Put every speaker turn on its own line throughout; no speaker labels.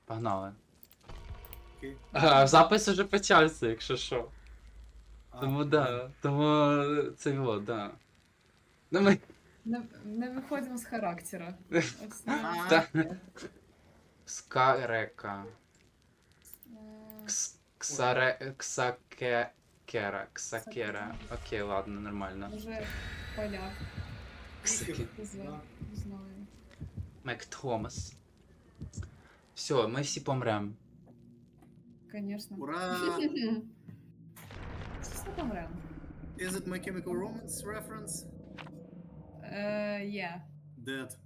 Погнали.
Окей.
А, запис уже почався, якщо що.
А,
Тому да. Тому це його, да. Ну ми.
Не виходимо з характера. Ось,
Та.
таке.
Скарека.
Е,
Ксакера. Ксакера. Окей, ладно, нормально.
Може, поляк.
Ксаке.
Не знаю. Не знаю.
Мек Томас. Все, ми всі помрем.
Конечно.
Ура!
Все помрем.
Is it My Chemical Romance reference?
Є.
Dead.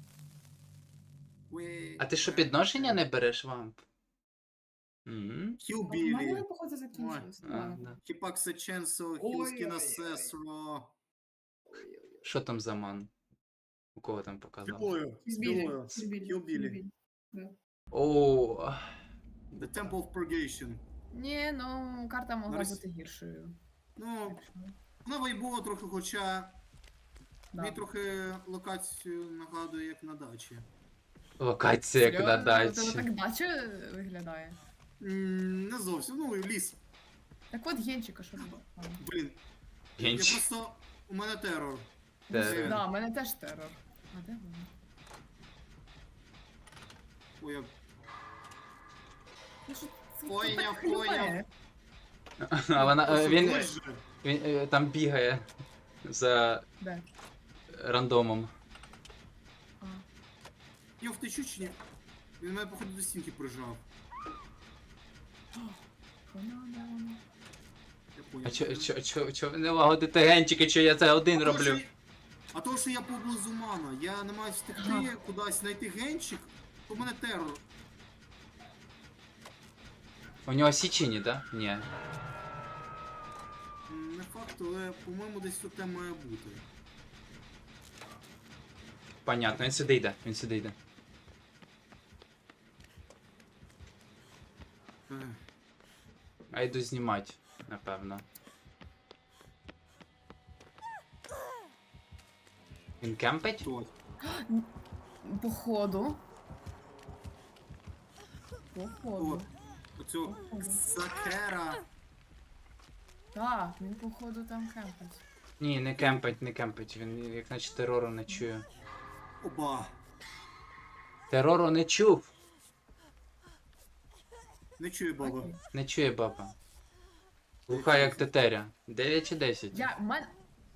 We...
А ти що, підношення не береш, вамп? М?
Kill
У мене,
Billy.
походу, закінчилось.
А,
Ладно.
да.
Хіпакса Ченсо,
Ой,
Хілскіна
ой, ой.
Сесро.
Що там за ман? У кого там показав?
Спілою. Спілою. Kill Billy.
О,
The Temple of Purgation.
Ні, ну, карта могла
Зараз.
бути гіршою.
Ну,
Так що,
вона вайбова трохи, хоча
да.
мені трохи локацію нагадує, як на дачі.
локація як на
Серйозно? У тебе
дачі.
так дача виглядає.
Не зовсім, ну ліс.
Так от Генчика, що робить?
Блін. Я
Генч.
просто... У мене терор.
Терор.
Да, у мене теж терор. А де вона?
Ой, я...
Ну, що це
Поняв,
так хлюпає?
А вона.
Просто
Він,
дощ же.
він там бігає за
Де?
рандомом.
А.
Я втечу чи ні? Він мене, походу, до стінки прижав.
Вона, де вона?
Я
А
поняв.
чо ви не лагодите генчики, що я це один
А то,
роблю?
А то, що я поблизу мана, я не маю встигти
Ага.
кудись знайти генчик, то в мене терор.
У нього січені, да? Ні.
Не факт, але, по-моєму, десь тут те має бути.
Понятно, він сюди йде, він сюди йде.
Ех,
А йду знімати, напевно. Він кемпить?
Хто?
Походу. Походу.
Оцю Закера.
Так, він походу там кемпить.
Ні, не кемпить, не кемпить. Він як наче терору не чує.
Оба.
Терору не чув!
Не чує баба.
Окей.
Не чує баба. Глуха як тетеря. 9 чи 10?
Я, мен...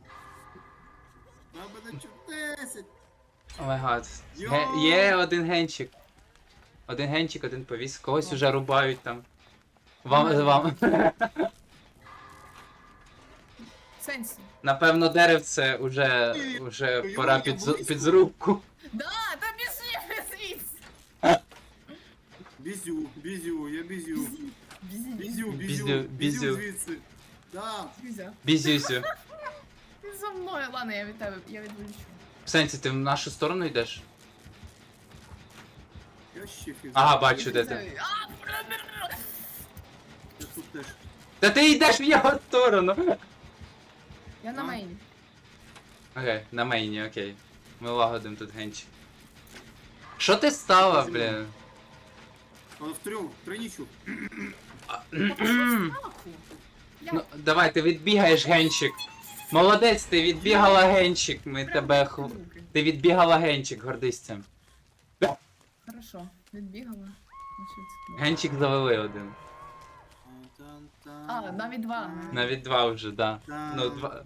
Баба не чує 10.
О май гад.
Йоу!
Є один генчик. Один генчик, один повіс. Когось уже рубають там. Вам.
Сенсі.
Напевно, деревце уже пора під зрубку.
Да, та пішли звідси.
Бізю, я бізю.
Бізі.
Бізю.
Звідси. Да.
Бізя.
Бізюсю.
Ти за мною. Ладно, я від тебе, я відволічу.
В сенсі, ти в нашу сторону йдеш?
Я ще фіз.
Ага, бачу, де ти.
Я тут теж.
Та ти йдеш в його сторону!
Я на мейні.
Окей, на мейні, окей. Ми лагодим тут генчик. Що ти стала, блін?
Але в тройнічу.
Нахуй.
Ну, давай, ти відбігаєш генчик. Молодець, ти відбігала генчик, ми тебе Ти відбігала генчик, гордись цим.
Хорошо, відбігала. Значить,
Генчик завели один.
А, навіть два.
Навіть два вже, да. Ну, два.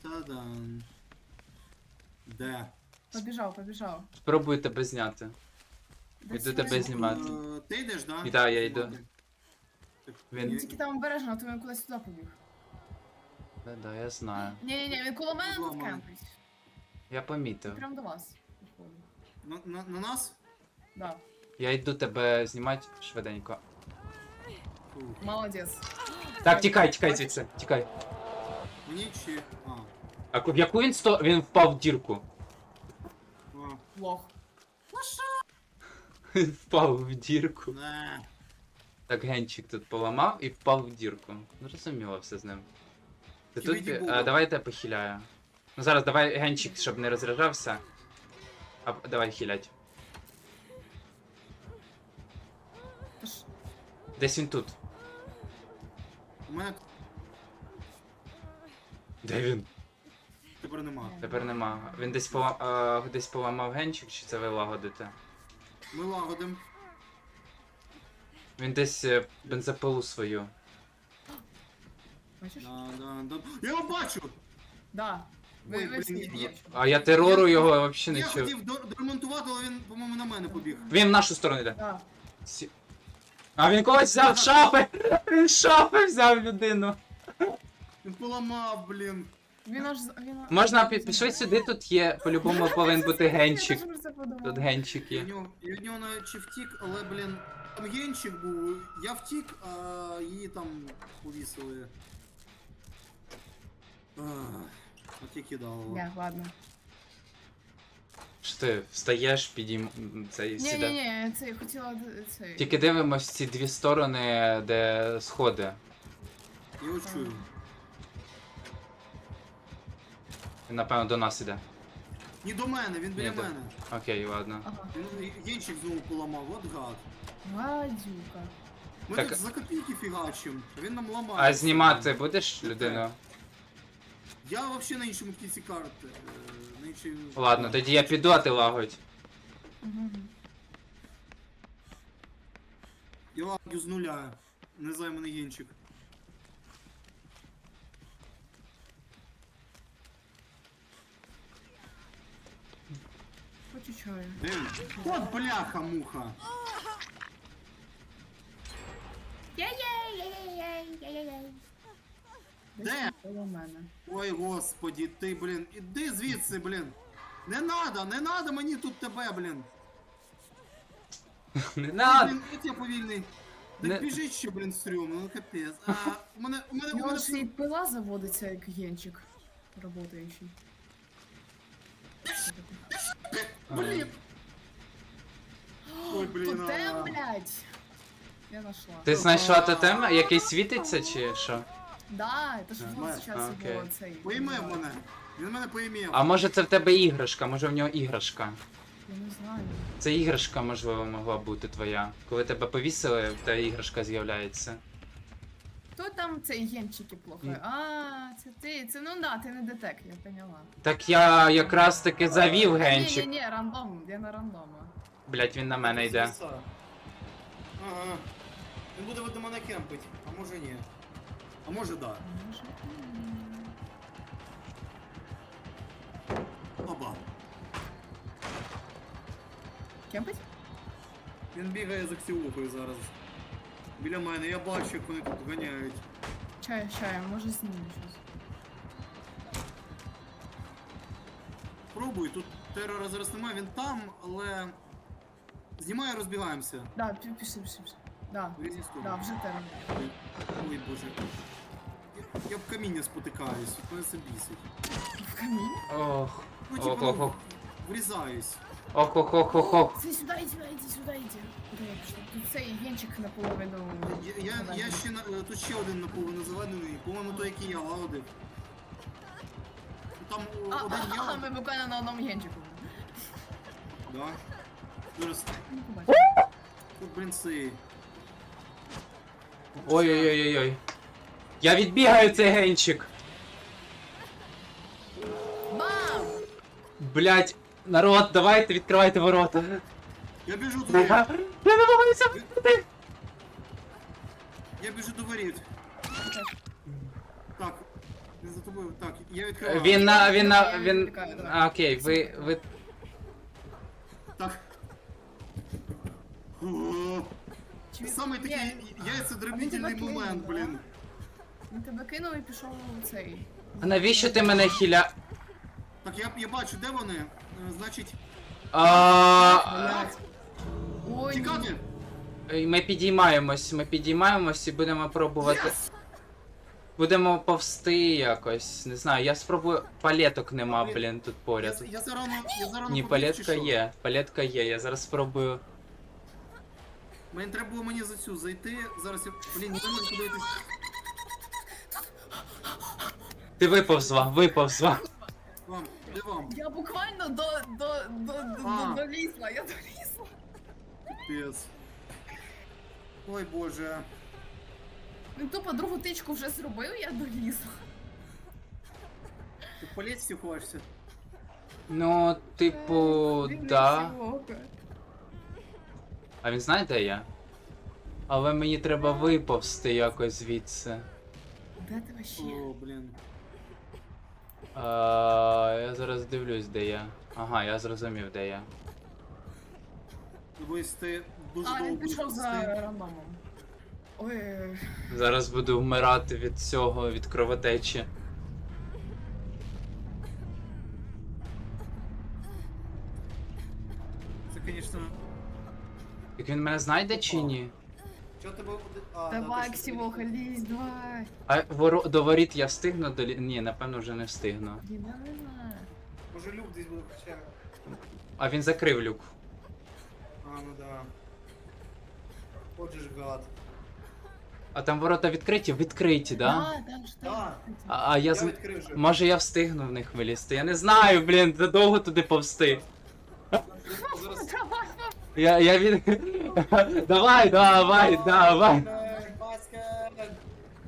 Де?
Побіжав.
Спробую тебе зняти.
Де
Іду
сюди?
тебе знімати.
Ти йдеш, да?
Да, я йду.
Так,
Він-
Тільки там обережно, а то він кудись туди побіг.
Да, я знаю.
Ні, він коло мене тут
Зламаний.
кемпить.
Я помітив.
Прям до вас. походу.
На нас?
Да.
Я йду тебе знімати швиденько.
Фу.
Молодець.
Так, тікай звідси, тікай.
Мені чи...
А в яку він впав в дірку?
А.
Лох.
Він впав в дірку.
Не.
Так, генчик тут поламав і впав в дірку. Ну, зрозуміло все з ним. Ти тут...
Кібіді Буба.
Давай я тебе похиляю. Ну зараз давай генчик, щоб не розряджався. Давай хилять. Десь він тут.
У мене
Де він?
тепер нема.
Тепер нема. Він десь поламав генчик, чи це ви лагодите?
Ми лагодим.
Він десь бензопилу свою.
Бачиш?
Да. Я його бачу!
Да.
Ой,
Ви всі
блін,
бачите.
А я терору його взагалі
Я
не чув.
хотів доремонтувати, але він, по-моєму, на мене побіг.
Він в нашу сторону йде.
Да.
А він когось взяв з шафи! Він з шафи взяв людину.
Він поламав, блін.
Він аж...
Можна пішли сюди, тут є, по-любому повинен бути генчик.
Я теж про це подумала.
Тут генчик
Я
є.
від нього наче втік, але, блін, там генчик був. Я втік, а її там повісили. От я кидав.
Ні, ладно.
Що ти встаєш, цей сіда.
Ні, це я хотіла цей.
Тільки дивимось ці дві сторони, де сходи.
Я його чую.
Він, напевно, до нас іде.
Ні до мене, він біля
Ні, да.
мене.
Окей, ладно.
Ага.
Він генчик знову поламав, от гад.
Гадюка.
Ми
Так-
тут за копійки фігачим, а він нам ламає.
А знімати будеш людину?
Я вообще на іншому кінці карти. На іншій...
Ладно, тоді я піду, а ти лагодь.
Угу.
Я лагаю з нуля. Не знаю, мене генчик.
Хочу чаю.
Де він? От бляха-муха. Де?
Коло мене.
Ой, господі, ти, блін. Іди звідси, блін. Не надо мені тут тебе, блін.
Не надо!
Блін, от я повільний.
Не-
Так біжить ще, блін, стрьомно, ну капець. А, у мене
У нього ж і пила заводиться, як генчик. Работаючий.
Блін. Ой, блін,
Тотем, блядь! Я нашла.
Ти знайшла тотем, який світиться чи що?
Да, это ж
Знаю.
вот сейчас
Окей.
його цей.
Поїмев мене. Він мене поїмів.
А може це в тебе іграшка, може в нього іграшка.
Я не знаю.
Це іграшка, можливо, могла бути твоя. Коли тебе повісили, в тебе іграшка з'являється.
Хто там цей генчики плохо? А, це ти. Це ну да, ти не детек, я поняла.
Так я якраз таки завів генчик.
Ні, рандом, я на рандома.
Блять, він на мене йде.
Ага. Він буде до мене кемпить, а може ні. А може да.
Може,
Оба.
Кемпить?
Він бігає за ксіопою зараз. Біля мене, я бачу, як вони тут ганяють.
Чаю, може зніму щось.
Пробуй, тут терора зараз немає, він там, але... Знімаю, розбігаємося.
Да, пішли. Да,
В різні сторони.
да, вже термін.
Ой, боже. Я в каміння спотикаюсь, от мене це бісить.
В камінь?
Ох.
Ну,
Ох,
типу,
ох,
ну,
ох.
врізаюсь.
Ох, ох, ох, ох, ох.
Це сюди, іди. Куди я пішла? Тут цей генчик наполовину.
Я ще тут ще один наповно заведений, по-моєму, той, який я лагодив. Там один я.
Ми буквально на одному генчику.
Да. Зараз.
Не побачила.
Тут, блін, цей.
Ой-ой-ой-ой. Я відбігаю цей генчик.
Бам!
Блять, народ, давайте відкривайте ворота.
Я біжу туди.
Я намагаюся вийти.
Я біжу до воріт. Так. Він за тобою. Так, я відкриваю.
Він. А, окей, ви.
Так. Саме такий яйцедробітельний момент, блін.
Він тебе кинув і пішов у цей.
А навіщо ти мене хіля.
Так, я бачу, де вони. Значить,
Блядь. Ой,
тікати.
Ми підіймаємось і будемо пробувати.
Yes!
Будемо повсти якось. Не знаю, я спробую. Палеток нема, блін, тут поряд.
Я зарано
Ні, палетка є, я зараз спробую.
Мені треба було мені за цю зайти. Зараз я. Блін, не знаю, куди йти.
Ти виповзла.
Вам, де вам?
Я буквально долізла, я долізла.
Пес. Ой боже.
Він тупо другу тичку вже зробив, я долізла.
Ти по лестниці ховаєшся?
Ну, типу,
Він
да.
не чувак.
А він знає, де я? Але мені треба виповзти якось звідси.
Де ти вообще?
О, блін.
Я зараз дивлюсь, де я. Ага, я зрозумів, де я.
Дивись, ти дуже
А,
довго
він
будеш
пішов за
повзти.
рандомом. Ой,
Зараз буду вмирати від цього, від кровотечі.
Це, звісно...
Так він мене знайде чи ні?
Чого тебе... А,
давай,
точно,
Ксівоха, лізь, давай.
А до воріт я встигну Ні, напевно, вже не встигну.
Блін, я не знаю.
Може люк десь буде хоча.
А він закрив люк.
А, ну да. Отже ж гад.
А там ворота відкриті? Відкриті, да?
Да, ж
Да.
так.
А я
Я відкрив вже.
Може я встигну в них вилізти? Я не знаю, блін, це довго туди повсти.
Зараз...
Я від... Давай.
Баскет!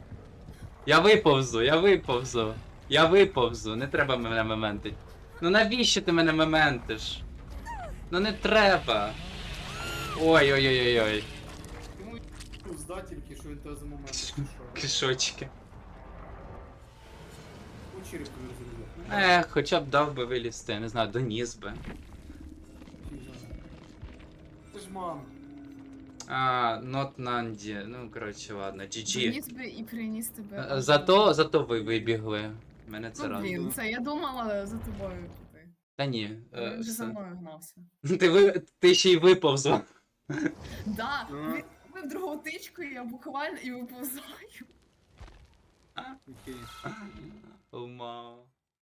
Я виповзу, не треба мене мементить. Ну навіщо ти мене мементиш? Ну не треба. Ой.
Йому здати тільки, що він тебе за момент пішов.
Кишочки.
У черепку не розрізав.
Хоча б дав би вилізти, я не знаю, доніс би.
Це ж мам.
Not Nandi. Ну, коротше, ладно, GG.
Приніс би і приніс тебе.
Зато ви вибігли. Мене це
Ну, блін,
радує.
це я думала за тобою піти.
Та ні.
Він вже за
все.
мною гнався.
Ти ще й виповзла.
Да,
Ага.
він робив другу тичку, і я буквально і виповзаю.
Окей.
Ума.